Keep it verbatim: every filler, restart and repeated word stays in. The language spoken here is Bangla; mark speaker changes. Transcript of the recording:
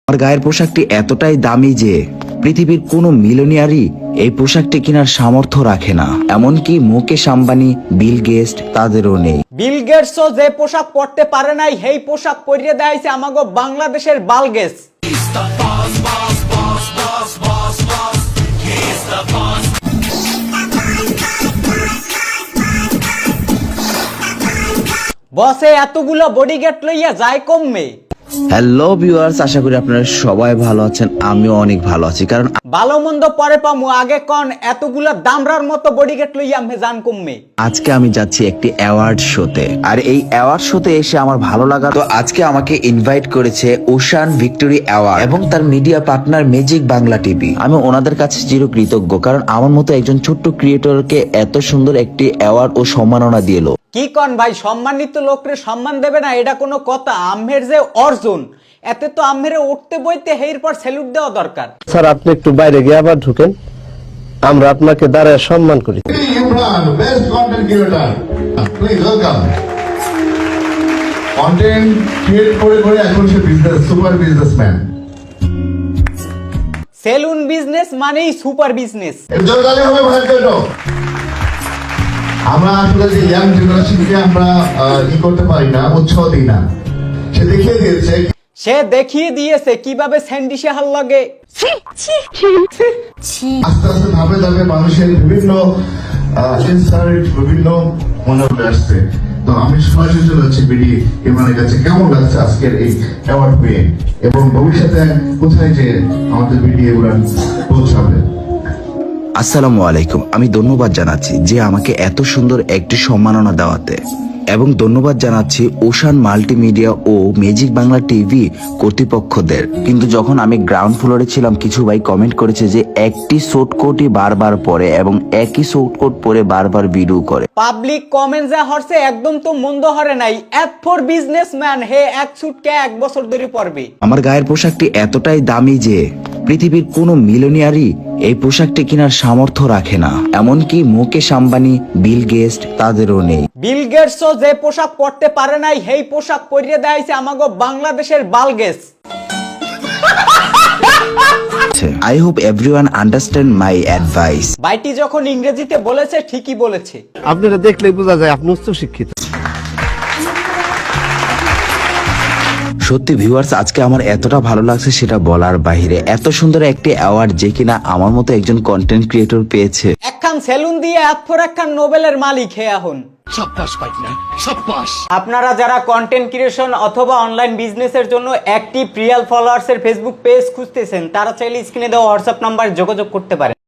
Speaker 1: আমার গায়ের পোশাকটি এতটাই দামি যে পৃথিবীর কোনো মিলিয়নিয়ারই এই পোশাকটি কেনার সামর্থ্য রাখে না। এমনকি মুকেশ আম্বানি, বিল গেটস তাদেরও নেই।
Speaker 2: বিল গেটসও যে পোশাক পরতে পারে নাই সেই পোশাক পরিয়ে দেয়াইছে আমাগো বাংলাদেশের বালগেস। বসে এতগুলো বডিগার্ড লইয়া যায় কমবে।
Speaker 1: হ্যালো ভিউয়ার্স, আশা করি আপনারা সবাই ভালো আছেন। আমিও অনেক ভালো আছি, কারণ
Speaker 2: ভালো মন্দ পরে পামু, আগে কোন এতগুলা দামরার মতো বডিগার্ড লইয়া আমি জান কমবে।
Speaker 1: আজকে আমি যাচ্ছি একটি অ্যাওয়ার্ড শোতে, আর এই অ্যাওয়ার্ড শোতে এসে আমার ভালো লাগা, তো আজকে আমাকে ইনভাইট করেছে ওশান ভিক্টোরি অ্যাওয়ার্ড এবং তার media partner magic Bangla TV. আমি ওনাদের কাছে চিরকৃতজ্ঞ, কারণ আমার মতো একজন ছোট্ট ক্রিয়েটরকে এত সুন্দর একটি অ্যাওয়ার্ড ও সম্মাননা দিল।
Speaker 2: কি কন ভাই, সম্মানিত লোকরে সম্মান দেবে না, এটা কোনো কথা? আম্মের যে অর্জন, এতে তো আম্মের উঠতে বইতে হের পর স্যালুট দেওয়া দরকার।
Speaker 3: স্যার, আপনি একটু বাইরে গিয়ে আবার ঢুকেন, আমরা আপনাকে দাঁড়ায় সম্মান করি।
Speaker 4: Imran, best content creator, please welcome. Content create করে করে এখন সে business super businessman.
Speaker 2: Salon business মানেই সুপার বিজনেস।
Speaker 4: এর জন্য গালি হবে ভাই কেটো। আমরা আসলে যে ইয়াং জেনারেশনকে আমরা ই করতে পারি না, উৎসাহ দিই না। সে দেখিয়ে দিয়েছে
Speaker 2: সে দেখিয়ে দিয়েছে কিভাবে স্যান্ডি শেহার লাগে।
Speaker 4: আস্তে আস্তে ধাপে ধাপে মানুষের বিভিন্ন ইনসাইট বিভিন্ন মনে আসছে। তো আমি সরাসরি চলে যাচ্ছি বিডি ইমরানের কাছে। কেমন লাগছে আজকের এই অ্যাওয়ার্ড পেয়ে, এবং ভবিষ্যতে কোথায় যে আমাদের বিডি ইমরান পৌঁছাবে?
Speaker 1: আসসালামু আলাইকুম। আমি ধন্যবাদ জানাচ্ছি যে আমাকে এত সুন্দর একটি সম্মাননা দেওয়াতে, এবং ধন্যবাদ জানাচ্ছি ওশান মাল্টিমিডিয়া ও ম্যাজিক বাংলা টিভি কর্তৃপক্ষদের। কিন্তু যখন আমি গ্রাউন্ড ফ্লোরে ছিলাম, কিছু ভাই কমেন্ট করেছে যে একটি শর্ট কোটই বারবার পরে এবং একই শর্ট কোট পরে বারবার ভিডিও করে।
Speaker 2: পাবলিক কমেন্ট যা হরছে একদম তো মন্দ হরে নাই। এত ফর বিজনেসম্যান হে এক সুটকে এক বছর ধরে পরবে।
Speaker 1: আমার গায়ের পোশাকটি এতটাই দামি যে পৃথিবীর কোনো মিলিয়নিয়ারই এই পোশাকটি কেনার সামর্থ্য রাখে না। এমনকি মুকেশ আম্বানি, বিল গেটস তাদেরও নেই।
Speaker 2: বিল গেটসও যে পোশাক পরতে পারে নাই সেই পোশাক পরিয়ে দেয়াইছে আমাগো বাংলাদেশের বালগেস।
Speaker 1: I hope everyone understand my advice.
Speaker 2: বাইটি যখন ইংরেজিতে বলেছে ঠিকই বলেছে।
Speaker 3: আপনারা দেখলেই বোঝা যায় আপনি উচ্চ শিক্ষিত।
Speaker 1: সত্যি ভিউয়ার্স, আজকে আমার এতটা ভালো লাগছে সেটা বলার বাইরে। এত সুন্দর একটি অ্যাওয়ার্ড যে কিনা আমার মতো একজন কন্টেন্ট ক্রিয়েটর পেয়েছে।
Speaker 2: একখান সেলুন দিয়ে এত ফর একখান নোবেলের মালিক হে এখন। আপনারা যারা কন্টেন্ট ক্রিয়েশন অথবা অনলাইন বিজনেসের জন্য অ্যাক্টিভ রিয়েল ফলোয়ার্স এর ফেসবুক পেজ খুঁজতেছেন, তারা চাইলে স্ক্রিনে দেওয়া হোয়াটসঅ্যাপ নাম্বার যোগাযোগ করতে পারেন।